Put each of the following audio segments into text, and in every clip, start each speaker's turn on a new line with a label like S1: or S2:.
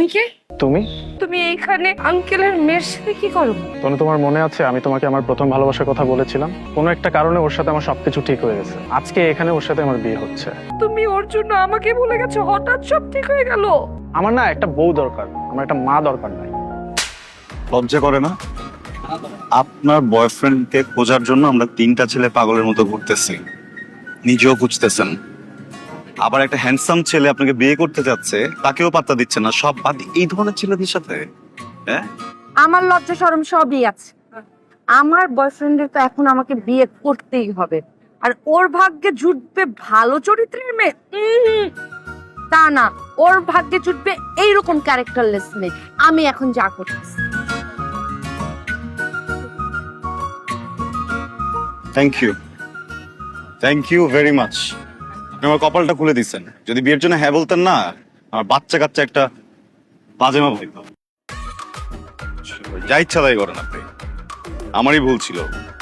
S1: তুমি কে?
S2: তুমি
S1: তুমি এইখানে আঙ্কেলের মেয়ের সাথে কি করো?
S2: তনু, তোমার মনে আছে আমি তোমাকে আমার প্রথম ভালোবাসার কথা বলেছিলাম? কোনো একটা কারণে ওর সাথে আমার সবকিছু ঠিক হয়ে গেছে। আজকে এখানে ওর সাথে আমার বিয়ে হচ্ছে।
S1: তুমি ওর জন্য আমাকে ভুলে গেছো, হঠাৎ সব ঠিক হয়ে গেল।
S2: আমার না একটা বউ দরকার, আমার একটা মা দরকার নাই।
S3: লজ্জা করে না? আপনার বয়ফ্রেন্ডকে খোঁজার জন্য আমরা তিনটা ছেলে পাগলের মতো ঘুরতেছি, নিজেও খুঁজতেছেন। আবার একটা হ্যান্ডসাম ছেলে আপনাকে বিয়ে করতে যাচ্ছে, তাকেও পাত্তা দিচ্ছে না। সব বাদ এই ধরনের ছেলেদের সাথে, হ্যাঁ?
S1: আমার লজ্জা শরম সবই আছে। আমার বয়ফ্রেন্ডের তো এখন আমাকে বিয়ে করতেই হবে, আর ওর ভাগ্যে জুটবে ভালো চরিত্রের মেয়ে? তা না, ওর ভাগ্যে জুটবে এইরকম ক্যারেক্টারলেস মেয়ে। আমি এখন যা করতেছি।
S3: Thank you very much. আপনি আমার কপালটা খুলে দিচ্ছেন। যদি বিয়ের জন্য হ্যাঁ বলতেন না, আমার বাচ্চা কাচ্চা একটা বাজেমা ভাইব। যা ইচ্ছা তাই করেন আপনি, আমারই ভুল ছিল।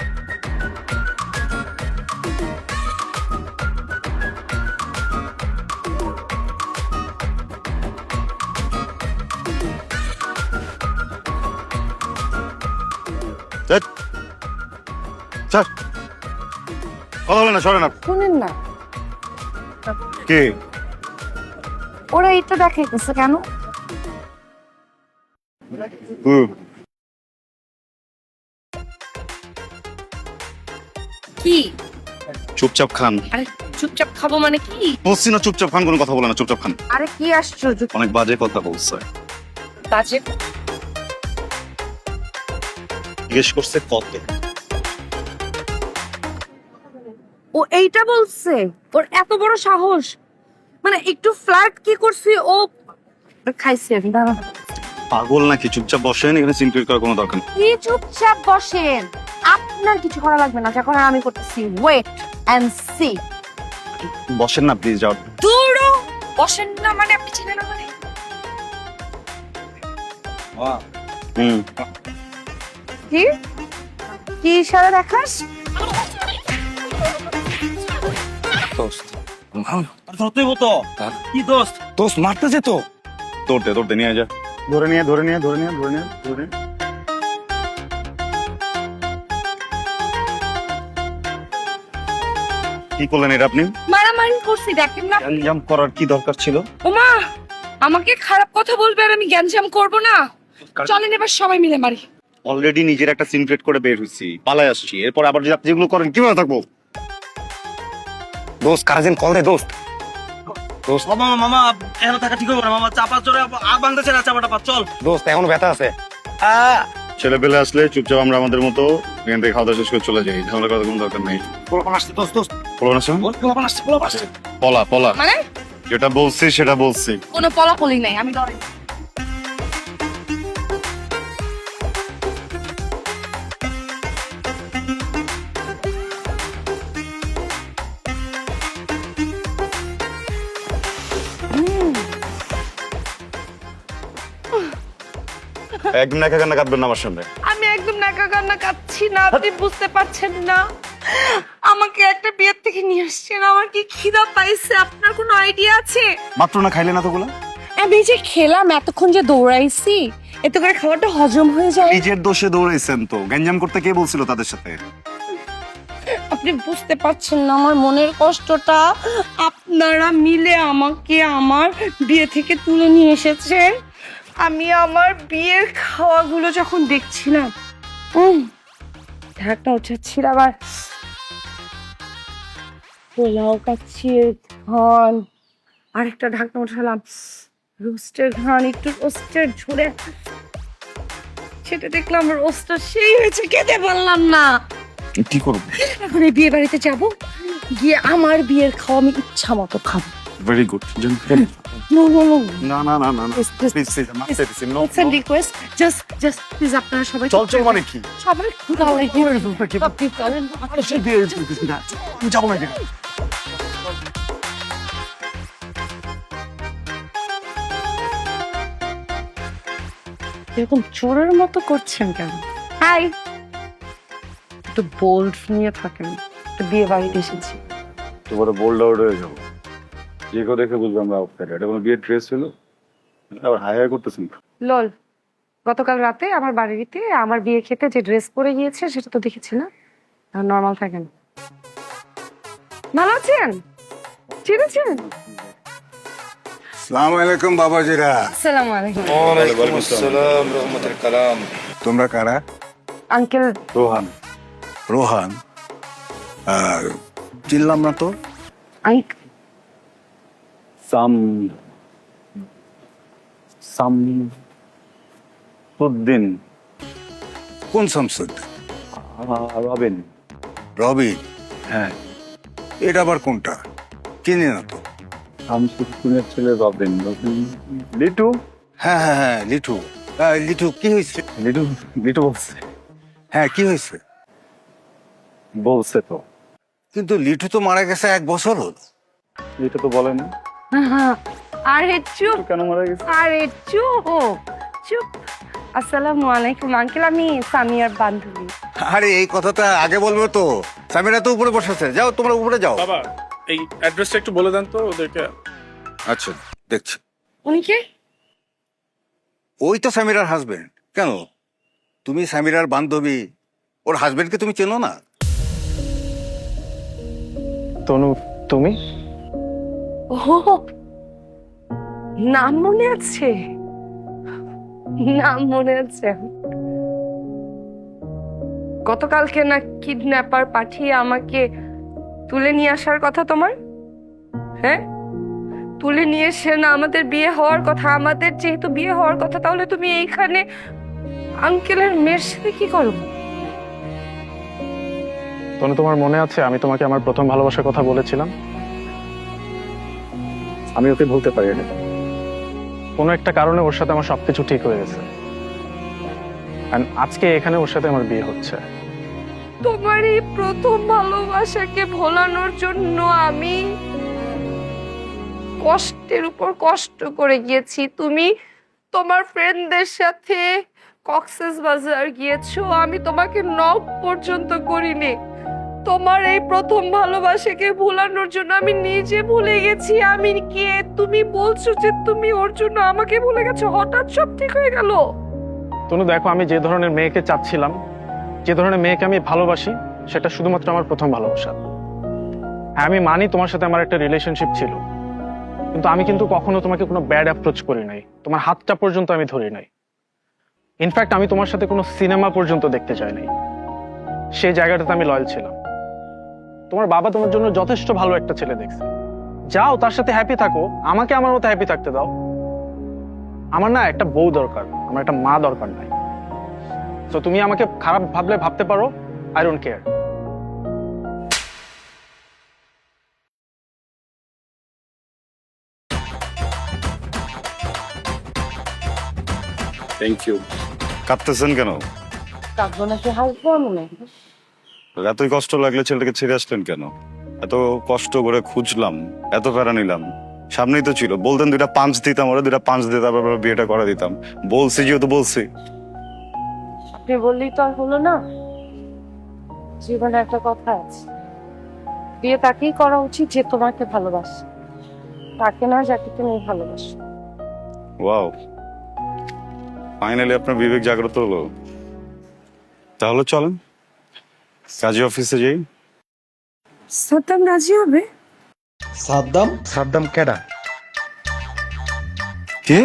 S3: ধ্যাৎ। স্যার, কথা বলেন না, সরেন আপনি।
S1: শুনেন না,
S3: কে?
S1: ওরা এটা দেখাইতেছে কেন? কি?
S3: চুপচাপ খান।
S1: আরে চুপচাপ খাবো মানে কি?
S3: বলছি না চুপচাপ খান, কোনো কথা বলে না, চুপচাপ খান।
S1: আরে কি আশ্চর্য!
S3: অনেক বাজে কথা বলছে।
S1: বাজে?
S3: জিজ্ঞেস করছে কত।
S1: ও এইটা বলছে? ওর এত বড় সাহস! মানে একটু ফ্ল্যাট কি করছি ও? খাইছি আমি, দাঁড়া।
S3: পাগল নাকি? চুপচাপ বসেন, এখানে সিনক্রেট করার কোনো দরকার নেই।
S1: কি চুপচাপ বসেন? আপনার কিছু করা লাগবে না, যখন আমি করতেছি। Wait and see.
S3: বসেন না প্লিজ, যাও।
S1: দূরও বসেন না মানে আপনি চিনেন না মানে?
S3: হুম।
S1: কি কি ইশারা দেখাস?
S4: দোস্ত ধরতেই হতো। কি দোস্ত? দোস্ত মারতেছে তো।
S3: ধরতে নিয়ে যা। ধরে নিয়ে। কি করলেন এটা আপনি?
S1: মারামারি করছি, দেখেন না?
S3: গ্যাঞ্জাম করার কি দরকার ছিল?
S1: ওমা, আমাকে খারাপ কথা বলবে আর আমি গ্যাঞ্জাম করব না? চলেন এবার সবাই মিলে মারি।
S3: অলরেডি নিজের একটা সিনক্রেট করে বের হইছি, পালায় আসছি। এরপর আবার যদি আপনি যেগুলো করেন কিভাবে থাকবো?
S4: দোস্ত কারাজিন কল দে দোস্ত। দোস্ত মামা মামা এখানে থাকা ঠিক হবে না মামা, চাপা চড়ে বাংলাদেশের চাপাটা পা চল।
S2: দোস্ত এখনো ব্যথা আছে।
S3: ছেলে পেলে আসলে চুপচাপ আমরা আমাদের মতো এখান থেকে খাওয়া দাওয়া শেষ করে চলে যাই, ঝামেলা করার কোনো দরকার নেই।
S4: পোলাপান আসছে দোস্ত দোস্ত।
S3: বলো না শোন,
S4: পোলাপান আসছে।
S3: পলা
S1: মানে
S3: যেটা বলছি সেটা বলছি।
S1: কোনো পলাপলি নাই, আমি ডরে।
S3: একদম একা কান্না কাঁদবেন না আমার সামনে।
S1: আমি একদম নাকা কান্না কাচ্ছি না, আপনি বুঝতে পারছেন না? আমাকে একটা বিয়ের থেকে নিয়ে আসছেন, আমার কি খিদা পাইছে আপনার কোনো আইডিয়া আছে?
S3: মাত্র না খাইলে না তোগুলা?
S1: আমি যে খেলাম, এতক্ষণ যে দৌড়াইছি, এত করে খাবারটা হজম হয়ে যায়।
S3: নিজের দোষে দৌড়াইছেন তো, গ্যাঞ্জাম করতে কে বলছিল তাদের সাথে?
S1: আপনি বুঝতে পারছেন না আমার মনের কষ্টটা? আপনারা মিলে আমাকে আমার বিয়ে থেকে তুলে নিয়ে এসেছেন। আমি আমার বিয়ের খাওয়াগুলো যখন দেখছিলাম, ঢাকটা উঠাচ্ছিল, আবার পোলাও কাচ্ছির ঘ্রাণ, আরেকটা ঢাকনা উঠালাম, রোস্টের ঘ্রাণ, একটু রোস্টের ঝরে, সেটা দেখলাম রোস্টটা সেই হয়েছে, খেতে পারলাম না।
S3: কি করব?
S1: এখন এই বিয়ে বাড়িতে যাব, গিয়ে আমার বিয়ের খাওয়া আমি ইচ্ছা মতো খাবো।
S3: Very good.
S1: No no no,
S3: না
S1: Please, please,
S3: প্লিজ মাফ দিছি। No
S1: it's a request, just please আপনারা সবাই
S3: চল মানে কি?
S1: সবাই দাও আপনি চলেন।
S3: আমি যাবো না এখানে।
S1: এরকম চোরের মতো করছেন কেন? হাই, একটু বোল্ড নিয়ে থাকেন, একটু বিয়ে বাড়িতে এসেছি।
S3: তোমার বোল্ড আউট হয়ে যাবো, যে কেউ দেখে বুঝবে আমরা আউটসাইডার। এটা কোনো বিয়ের ড্রেস ছিল? আবার হাই হাই করতেছেন।
S1: লল, গতকাল রাতে আমার বাড়িতে আমার বিয়ে খেতে যে ড্রেস পরে গিয়েছে সেটা তো দেখেছি না? নর্মাল থাকেন। ভালো আছেন? চিনেছেন?
S5: সালাম আলাইকুম বাবাজিরা।
S1: আসসালামু আলাইকুম।
S4: ওয়ালাইকুম আসসালাম রহমতুল কালাম।
S5: তোমরা কারা?
S1: আঙ্কেল
S3: রোহান।
S5: রোহান? চিনলাম না তো।
S3: সাম সামসুদ্দিন।
S5: কোন শামসুদ?
S3: রবিন।
S5: রবি?
S3: হ্যাঁ,
S5: এটা আবার কোনটা? চিনি না তো।
S3: শামসুদ্দিনের ছেলে রবিন। লিটু।
S5: হ্যাঁ হ্যাঁ হ্যাঁ, লিটু। লিটু কি হয়েছে?
S3: লিটু লিটু বলছে।
S5: হ্যাঁ, কি হয়েছে?
S3: বলছে তো।
S5: কিন্তু লিটু তো মারা গেছে 1 বছর হলো।
S3: লিটু তো বলেনি।
S1: আরে চুপ,
S3: কেন মারা গেছে?
S1: আরে চুপ চুপ। আসসালামু আলাইকুম আঙ্কেল, আমি সামিয়ার বান্ধবী।
S5: আরে এই কথাটা আগে বলবো তো। সামিরা তো উপরে বসেছে, যাও তোমরা উপরে যাও।
S2: বাবা, এই অ্যাড্রেসটা একটু বলে দেন তো ওদেরকে।
S5: আচ্ছা, দেখছি।
S1: উনি কে?
S5: ওই তো সামিরার হাজবেন্ড। কেন, তুমি সামিরার বান্ধবী, ওর হাজবেন্ডকে তুমি চেনো না?
S2: তনু, তুমি?
S1: ও, নাম মনে আছে, নাম মনে আছে। গতকালকে না কিডন্যাপার পাঠিয়ে আমাকে তুলে নিয়ে আসার কথা তোমার? হ্যাঁ, তুলে নিয়ে এসে না আমাদের বিয়ে হওয়ার কথা, আমাদের যেহেতু বিয়ে হওয়ার কথা, তাহলে তুমি এইখানে আঙ্কেলের মেয়ের সাথে কি করো?
S2: তনু, তোমার মনে আছে আমি তোমাকে আমার প্রথম ভালোবাসার কথা বলেছিলাম? আমি ওকে ভুলতে পারি না। কোনো একটা কারণে ওর সাথে আমার সবকিছু ঠিক হয়ে গেছে। And আজকে এখানে ওর সাথে আমার বিয়ে হচ্ছে।
S1: তোমার এই প্রথম ভালোবাসাকে ভোলানোর জন্য আমি কষ্টের উপর কষ্ট করে গিয়েছি। তুমি তোমার ফ্রেন্ডদের সাথে কক্সেস বাজার গিয়েছো, আমি তোমাকে নক পর্যন্ত করিনি। তোমার এই প্রথম ভালোবাসাকে ভোলানোর জন্য আমি নিজে ভুলে গেছি আমি কে। তুমি বলছো যে তুমি ওর জন্য আমাকে ভুলে গেছো, হঠাৎ সব ঠিক হয়ে গেল।
S2: তনু দেখো, আমি যে ধরনের মেয়েকে চাচ্ছিলাম, যে ধরনের মেয়েকে আমি ভালোবাসি, সেটা শুধুমাত্র আমার প্রথম ভালোবাসা। হ্যাঁ, আমি মানি তোমার সাথে আমার একটা রিলেশনশিপ ছিল, কিন্তু আমি কিন্তু কখনো তোমাকে কোনো ব্যাড অ্যাপ্রোচ করি নাই, তোমার হাতটা পর্যন্ত আমি ধরি নাই। ইনফ্যাক্ট আমি তোমার সাথে কোনো সিনেমা পর্যন্ত দেখতে চাই নাই। সেই জায়গাটাতে আমি লয়াল ছিলাম। তোমার বাবা তোমার জন্য যথেষ্ট ভালো একটা ছেলে দেখছে, যাও তার সাথে হ্যাপি থাকো, আমাকে আমার মতো হ্যাপি থাকতে দাও। আমার না একটা বউ দরকার, আমার একটা মা দরকার নাই। তো তুমি আমাকে খারাপ ভাবলে ভাবতে পারো, I don't care.
S3: Thank you. কাঁদতেছেন কেন?
S1: কাঁদবো নাকি হাসবো? মনে
S3: এতই কষ্ট লাগলে ছেলেটাকে ছেড়ে আসলেন কেন? এত কষ্ট করে খুঁজলাম, এত প্যারা নিলাম, সামনেই তো ছিল। বলতেন 2টা পাঁচ দিতাম, ওরা 2টা পাঁচ দিতাম, আবার বিয়েটা করে দিতাম। বলছি যেহেতু বলছি।
S1: আপনি বললেই তো আর হলো না। জীবনে একটা কথা আছে, বিয়ে তাকেই করা উচিত যে তোমাকে ভালোবাসে, তাকে না যাকে তুমি ভালোবাসো।
S3: ওয়াও, ফাইনালি আপনার বিবেক জাগ্রত হলো। তাহলে চলেন কাজী অফিসে যাই।
S1: সাদ্দাম রাজি হবে?
S4: সাদ্দাম কেডা?
S3: কে?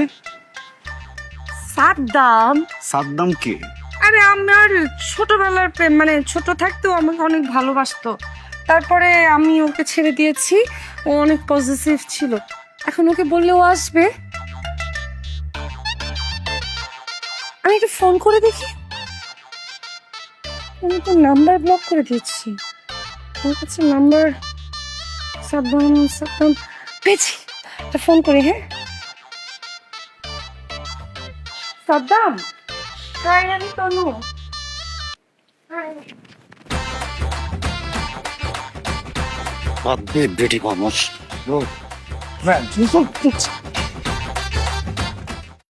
S1: সাদ্দাম?
S3: সাদ্দাম কে?
S1: আরে আমার ছোটবেলার প্রেম, মানে ছোট থাকতেও আমাকে অনেক ভালোবাসতো। তারপরে আমি ওকে ছেড়ে দিয়েছি, ও অনেক পজিটিভ ছিল। এখন ওকে বললেও আসবে। আমি একটু ফোন করে দেখি। আমি তো নাম্বার ব্লক করে দিয়েছি, আমার কাছে নাম্বার। সাদ্দাম সাদ্দাম পেয়েছি, একটা ফোন করি। হ্যাঁ সাদ্দাম, হাই, আমি তনু।
S3: বেটি মানুষ।
S1: হাই।